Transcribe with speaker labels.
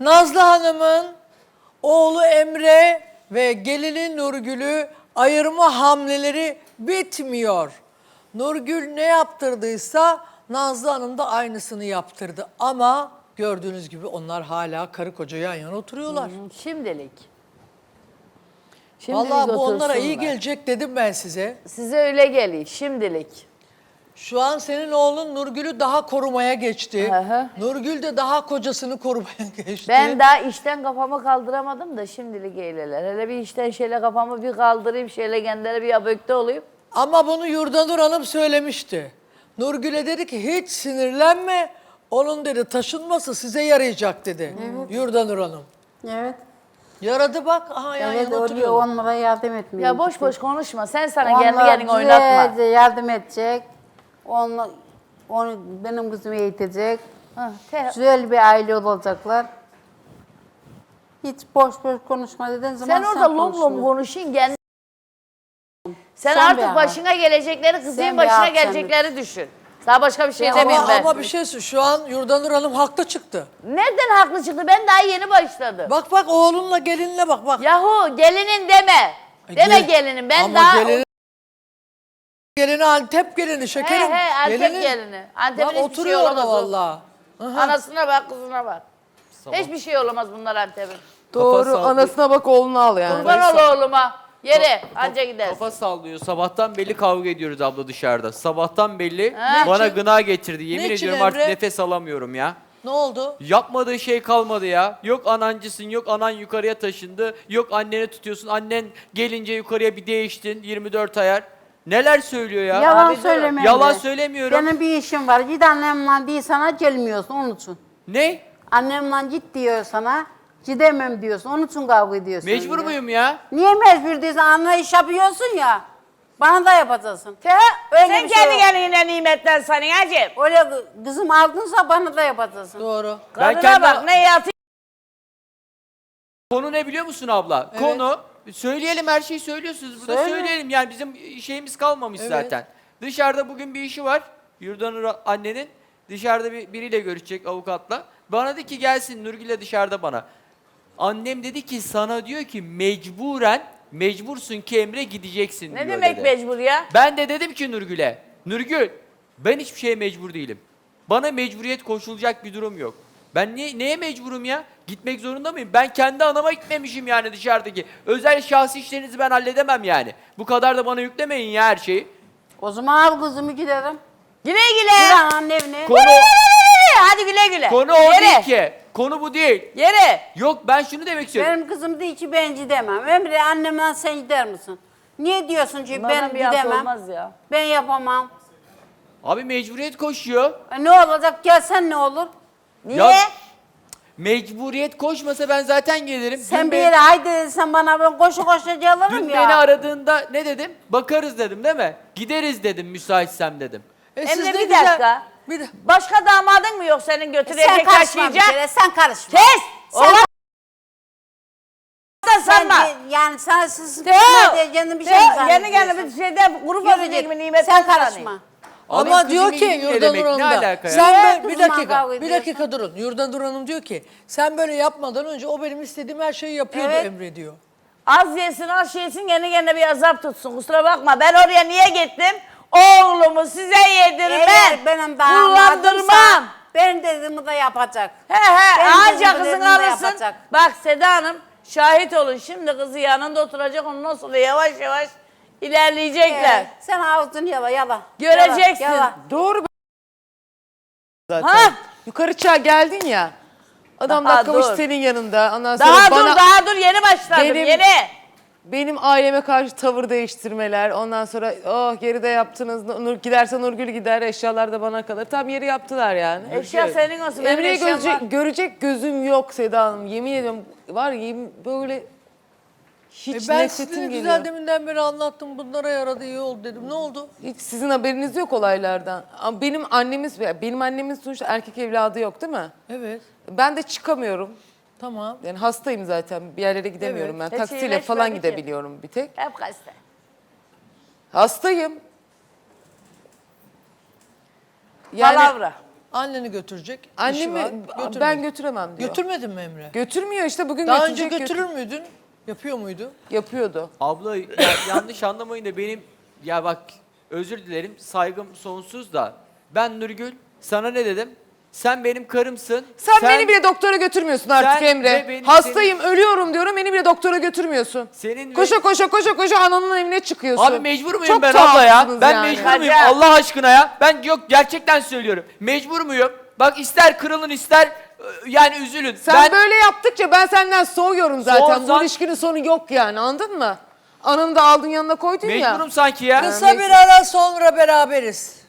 Speaker 1: Nazlı Hanım'ın oğlu Emre ve gelini Nurgül'ü ayırma hamleleri bitmiyor. Nurgül ne yaptırdıysa Nazlı Hanım da aynısını yaptırdı. Ama gördüğünüz gibi onlar hala karı koca yan yana oturuyorlar.
Speaker 2: Şimdilik.
Speaker 1: Vallahi bu onlara iyi
Speaker 2: otursunlar.
Speaker 1: gelecek dedim ben size.
Speaker 2: Size öyle geliyor şimdilik.
Speaker 1: Şu an senin oğlun Nurgül'ü daha korumaya geçti.
Speaker 2: Hı hı.
Speaker 1: Nurgül de daha kocasını korumaya geçti.
Speaker 2: Ben daha işten kafamı kaldıramadım da şimdilik eyleler. Hele bir işten şöyle kafamı bir kaldırayım, şöyle kendine bir abökte olayım.
Speaker 1: Ama bunu Yurdanur Hanım söylemişti. Nurgül'e dedi ki hiç sinirlenme. Onun dedi taşınması size yarayacak dedi.
Speaker 3: Evet.
Speaker 1: Yurdanur Hanım.
Speaker 3: Evet.
Speaker 1: Yaradı bak. Aha yan
Speaker 3: Evet
Speaker 1: yana
Speaker 3: oraya
Speaker 1: oturuyorlar.
Speaker 3: onlara yardım etmiyor.
Speaker 2: Ya boş boş konuşma. Sen sana kendi
Speaker 3: Onlar
Speaker 2: kendini oynatma.
Speaker 3: güzelce yardım edecek. Onu benim kızımı eğitecek. Güzel bir aile olacaklar. Hiç boş boş konuşma dediğin zaman
Speaker 2: Sen orada lom lom
Speaker 3: konuşma.
Speaker 2: konuşun kendi. Sen
Speaker 3: Son bir
Speaker 2: artık
Speaker 3: an.
Speaker 2: başına gelecekleri, kızın
Speaker 3: Sen bir
Speaker 2: başına
Speaker 3: akşam
Speaker 2: gelecekleri düşün. Daha başka bir şey
Speaker 3: Ya
Speaker 2: demeyeyim ben.
Speaker 1: Ama bir şey şu an Yurdanur Hanım haklı çıktı.
Speaker 2: Nereden haklı çıktı? Ben daha yeni başladım.
Speaker 1: Bak bak oğlunla gelinle bak bak.
Speaker 2: Yahu gelinin deme. Deme gelinin. Ben
Speaker 1: ama
Speaker 2: daha...
Speaker 1: gelini Antep gelini şekerim.
Speaker 2: He Antep
Speaker 1: Gelinin-
Speaker 2: gelini. Antep'in
Speaker 1: Bak
Speaker 2: hiçbir şey
Speaker 1: oturuyor orada
Speaker 2: olamaz o.
Speaker 1: vallahi.
Speaker 2: Anasına bak, kızına bak. Hiçbir şey olamaz bunlar Antep'in.
Speaker 4: Doğru.
Speaker 5: Kafa
Speaker 4: Anasına bak oğlunu al yani.
Speaker 2: Kurban ol oğluma. Yere anca gider.
Speaker 5: Kafa sallıyor. Sabahtan belli kavga ediyoruz abla dışarıda. Sabahtan belli
Speaker 2: Ha.
Speaker 5: bana
Speaker 1: Niçin?
Speaker 5: gına getirdi. Yemin
Speaker 1: Niçin
Speaker 5: ediyorum artık
Speaker 1: Emre?
Speaker 5: nefes alamıyorum ya.
Speaker 1: Ne oldu?
Speaker 5: Yapmadığı şey kalmadı ya. Yok anancısın, yok anan yukarıya taşındı. Yok anneni tutuyorsun. Annen gelince yukarıya bir değiştin. 24 ayar. Neler söylüyor ya?
Speaker 3: Yalan
Speaker 2: Abi,
Speaker 3: söyleme.
Speaker 5: Yalan
Speaker 3: Emre.
Speaker 5: söylemiyorum.
Speaker 3: Benim bir işim var. Git annemle değil sana gelmiyorsun onun için.
Speaker 5: Ne?
Speaker 3: Annemle git diyor sana. Gidemem diyorsun. Onun için kavga ediyorsun.
Speaker 5: Mecbur
Speaker 3: ya.
Speaker 5: muyum ya?
Speaker 3: Niye mecbur değilsin? Anne iş yapıyorsun ya. Bana da yapacaksın.
Speaker 2: Sen
Speaker 3: bir şey
Speaker 2: kendi
Speaker 3: yok.
Speaker 2: kendine nimetten sanın hacım.
Speaker 3: Öyle kızım aldınsa bana da yapacaksın.
Speaker 1: Doğru.
Speaker 5: Ben
Speaker 2: Kadına
Speaker 5: kendi-
Speaker 2: bak ne yatı.
Speaker 5: Konu ne biliyor musun abla?
Speaker 1: Evet.
Speaker 5: Konu, söyleyelim her şeyi söylüyorsunuz burada.
Speaker 3: Söyle.
Speaker 5: Söyleyelim yani bizim şeyimiz kalmamış
Speaker 1: Evet.
Speaker 5: zaten. Dışarıda bugün bir işi var. Yurdanur annenin. Dışarıda biriyle görüşecek avukatla. Bana dedi ki gelsin Nurgül'le dışarıda bana. Annem dedi ki sana diyor ki mecbursun ki Emre gideceksin
Speaker 2: Ne
Speaker 5: diyor
Speaker 2: demek
Speaker 5: dedi.
Speaker 2: mecbur ya?
Speaker 5: Ben de dedim ki Nurgül'e, Nurgül ben hiçbir şeye mecbur değilim. Bana mecburiyet koşulacak bir durum yok. Ben neye mecburum ya? Gitmek zorunda mıyım? Ben kendi anama gitmemişim yani dışarıdaki. Özel şahsi işlerinizi ben halledemem yani. Bu kadar da bana yüklemeyin ya her şeyi.
Speaker 3: O zaman al kızımı giderim.
Speaker 2: Güle
Speaker 3: Gir
Speaker 2: güle.
Speaker 3: ananın evine.
Speaker 5: Konu,
Speaker 2: Hadi güle güle.
Speaker 5: konu o
Speaker 2: Yere.
Speaker 5: değil ki. Konu bu değil.
Speaker 2: Yere.
Speaker 5: Yok ben şunu demek istiyorum.
Speaker 3: Benim kızım değil ki ben gidemem. Emre annemden sen gider misin? Niye diyorsun ki
Speaker 2: Bunlardan
Speaker 3: ben
Speaker 2: bir hafta
Speaker 3: gidemem?
Speaker 2: olmaz ya.
Speaker 3: Ben yapamam.
Speaker 5: Abi mecburiyet koşuyor.
Speaker 3: Ne olacak? Gelsen ne olur?
Speaker 2: Niye?
Speaker 5: Ya, mecburiyet koşmasa ben zaten gelirim.
Speaker 3: Sen
Speaker 5: Dün
Speaker 3: bir
Speaker 5: beni-
Speaker 3: yere haydi sen bana ben koşu koşu gelirim
Speaker 5: Dün
Speaker 3: ya.
Speaker 5: beni aradığında ne dedim? Bakarız dedim değil mi? Gideriz dedim müsaitsem dedim.
Speaker 1: Siz
Speaker 2: Emre
Speaker 1: ne
Speaker 2: bir
Speaker 1: güzel-
Speaker 2: dakika.
Speaker 1: Bir de-
Speaker 2: Başka damadın mı yok senin
Speaker 3: Sen
Speaker 2: götürecek
Speaker 3: karışma bir
Speaker 2: taşıyacak?
Speaker 3: kere, sen karışma.
Speaker 2: Kes!
Speaker 3: Sen,
Speaker 2: Oğlan da
Speaker 3: sen
Speaker 2: sanma.
Speaker 3: yani sana siz
Speaker 2: Teo,
Speaker 3: diye kendin bir şey mi
Speaker 2: Teo, Kendi kendine
Speaker 3: zannediyorsun?
Speaker 2: bir şeyde kuru
Speaker 3: Yürü
Speaker 2: fasulye
Speaker 3: git.
Speaker 2: gibi nimet
Speaker 3: Sen karışma.
Speaker 1: Ama
Speaker 5: Abi
Speaker 1: diyor
Speaker 5: kızımın
Speaker 1: ki
Speaker 5: ilgili ne
Speaker 1: Yurdanur
Speaker 5: demek?
Speaker 1: Hanım
Speaker 5: Ne
Speaker 1: da
Speaker 5: alaka ya?
Speaker 1: sen
Speaker 3: Niye
Speaker 1: bir
Speaker 3: kızımla
Speaker 1: dakika
Speaker 3: kavga
Speaker 1: bir
Speaker 3: ediyorsun?
Speaker 1: dakika durun. Yurdanur Hanım diyor ki sen böyle yapmadan önce o benim istediğim her şeyi yapıyordu
Speaker 3: Evet.
Speaker 1: Emre diyor.
Speaker 2: Az yesin az yesin kendi kendine bir azap tutsun. Kusura bakma ben oraya niye gittim? Oğlumu size yedirmem.
Speaker 3: Eğer benim damadımsa
Speaker 2: Kullandırmam.
Speaker 3: benim dediğimi de yapacak.
Speaker 2: He he
Speaker 3: Benim
Speaker 2: anca
Speaker 3: dediğimi
Speaker 2: kızın
Speaker 3: de
Speaker 2: alırsın.
Speaker 3: yapacak.
Speaker 2: Bak Seda Hanım şahit olun şimdi kızı yanında oturacak ondan sonra yavaş yavaş ilerleyecekler.
Speaker 3: Sen ağzını yala yala.
Speaker 2: Göreceksin.
Speaker 3: Yala, yala.
Speaker 4: Doğru. Zaten.
Speaker 2: Ha?
Speaker 4: Yukarı çığa geldin ya. Adam
Speaker 2: Daha
Speaker 4: dakikamış
Speaker 2: dur.
Speaker 4: senin yanında. Ondan sonra
Speaker 2: Daha
Speaker 4: bana,
Speaker 2: daha dur yeni başladım
Speaker 4: Benim-
Speaker 2: yeni.
Speaker 4: benim aileme karşı tavır değiştirmeler. Ondan sonra oh geride yaptınız. Giderse Nurgül gider. Eşyalar da bana kalır. Tam yeri yaptılar yani.
Speaker 2: Eşya senin olsun. benim
Speaker 4: Emre'yi
Speaker 2: eşyam var.
Speaker 4: görecek gözüm yok Seda Hanım. Yemin ediyorum var ya böyle hiç
Speaker 1: Ben
Speaker 4: nefretim
Speaker 1: size
Speaker 4: geliyor.
Speaker 1: güzel deminden beri anlattım bunlara yaradı iyi oldu dedim. Ne oldu?
Speaker 4: Hiç sizin haberiniz yok olaylardan. Ama benim annemin sonuçta erkek evladı yok değil mi?
Speaker 1: Evet
Speaker 4: Ben de çıkamıyorum.
Speaker 1: tamam.
Speaker 4: Yani hastayım zaten. Bir yerlere gidemiyorum
Speaker 1: Evet.
Speaker 4: ben.
Speaker 2: Hiç
Speaker 4: Taksiyle
Speaker 2: iyileşmedi
Speaker 4: falan
Speaker 2: ki.
Speaker 4: gidebiliyorum bir tek.
Speaker 2: Hep gazete.
Speaker 4: Hastayım. Yani
Speaker 2: Palavra.
Speaker 1: Anneni götürecek. işi
Speaker 4: Annemi
Speaker 1: var,
Speaker 4: ben
Speaker 1: götürmeyecek.
Speaker 4: götüremem diyor.
Speaker 1: Götürmedin mi Emre?
Speaker 4: Götürmüyor işte bugün
Speaker 1: Daha önce
Speaker 4: götürecek.
Speaker 1: götürür müydün? Yapıyor muydu?
Speaker 4: Yapıyordu.
Speaker 5: Abla ya, yanlış anlamayın da benim ya bak özür dilerim saygım sonsuz da ben Nurgül sana ne dedim? Sen benim karımsın.
Speaker 4: Sen beni bile doktora götürmüyorsun artık
Speaker 5: Sen ve
Speaker 4: Emre.
Speaker 5: benim-
Speaker 4: Hastayım, ölüyorum diyorum. Beni bile doktora götürmüyorsun.
Speaker 5: Senin
Speaker 4: Koşa koşa ananın evine çıkıyorsun.
Speaker 5: Abi mecbur muyum
Speaker 4: Çok
Speaker 5: ben abla ya?
Speaker 4: tuhafsınız
Speaker 5: Ben
Speaker 4: yani.
Speaker 5: mecbur muyum
Speaker 2: Hadi.
Speaker 5: Allah aşkına ya? Ben yok gerçekten söylüyorum. Mecbur muyum? Bak ister kırılın ister yani üzülün.
Speaker 4: Sen
Speaker 5: ben
Speaker 4: böyle yaptıkça ben senden soğuyorum zaten. Bu
Speaker 5: Soğursan-
Speaker 4: ilişkinin sonu yok yani, anladın mı? Ananı da aldın yanına koydun ya.
Speaker 5: mecburum sanki ya.
Speaker 1: Kısa bir ara sonra beraberiz.